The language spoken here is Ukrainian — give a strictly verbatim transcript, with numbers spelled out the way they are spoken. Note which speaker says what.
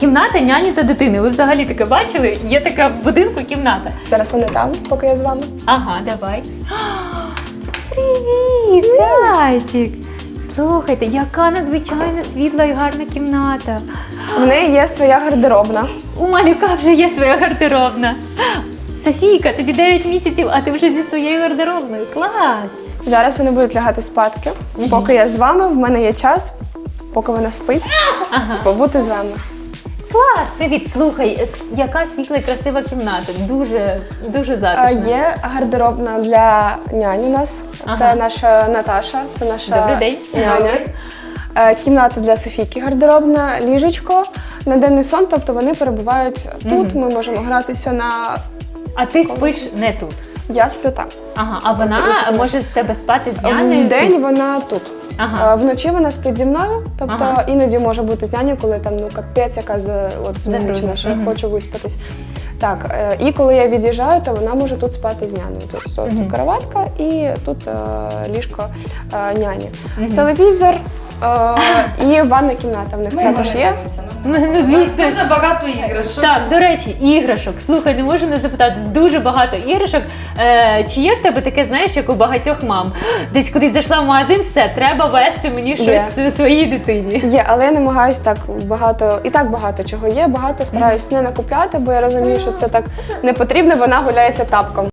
Speaker 1: Кімната няні та дитини. Ви взагалі таке бачили? Є така в будинку кімната.
Speaker 2: Зараз вони там, поки я з вами.
Speaker 1: Ага, давай. Привіт, зайчик! Слухайте, яка надзвичайно світла і гарна кімната.
Speaker 2: В неї є своя гардеробна.
Speaker 1: У малюка вже є своя гардеробна. Софійка, тобі дев'ять місяців, а ти вже зі своєю гардеробною. Клас!
Speaker 2: Зараз вони будуть лягати спадки. Поки я з вами, в мене є час, поки вона спить,
Speaker 1: Ага.
Speaker 2: побути з вами.
Speaker 1: Клас, привіт! Слухай, с- яка світла і красива кімната. Дуже, дуже
Speaker 2: А,
Speaker 1: затишна.
Speaker 2: Є гардеробна для нянь у нас.
Speaker 1: Ага.
Speaker 2: Це наша Наташа, це наша
Speaker 1: Добрий день.
Speaker 2: няня. Е, Кімната для Софійки гардеробна, ліжечко на денний сон, тобто вони перебувають тут. Ми можемо гратися на.
Speaker 1: А ти спиш не тут.
Speaker 2: Я сплю там.
Speaker 1: Ага, а вона
Speaker 2: Тобто,
Speaker 1: може в тебе спати з нянею?
Speaker 2: В день вона тут.
Speaker 1: Ага.
Speaker 2: Е, Вночі вона спить зі мною, тобто
Speaker 1: Ага.
Speaker 2: іноді може бути з нянею, коли там ну капець, яка з от змучена,
Speaker 1: Загрузна.
Speaker 2: що я
Speaker 1: Мгм.
Speaker 2: хочу виспатись. Так, е, і коли я від'їжджаю, то вона може тут спати з нянею. Тобто тут кроватка і тут е, ліжко е, няні. Телевізор е, і ванна кімната в них також є.
Speaker 1: Ну, ну, звісно.
Speaker 3: Дуже багато іграшок.
Speaker 1: Так, до речі, іграшок. Слухай, не можу не запитати, дуже багато іграшок. Е, чи є в тебе таке, знаєш, як у багатьох мам? Десь кудись зайшла в магазин, все, треба вести мені щось
Speaker 2: Є.
Speaker 1: своїй дитині.
Speaker 2: Є, але я намагаюсь так багато, і так багато чого є, багато стараюсь не накупляти, бо я розумію, що це так не потрібно, вона гуляється тапком.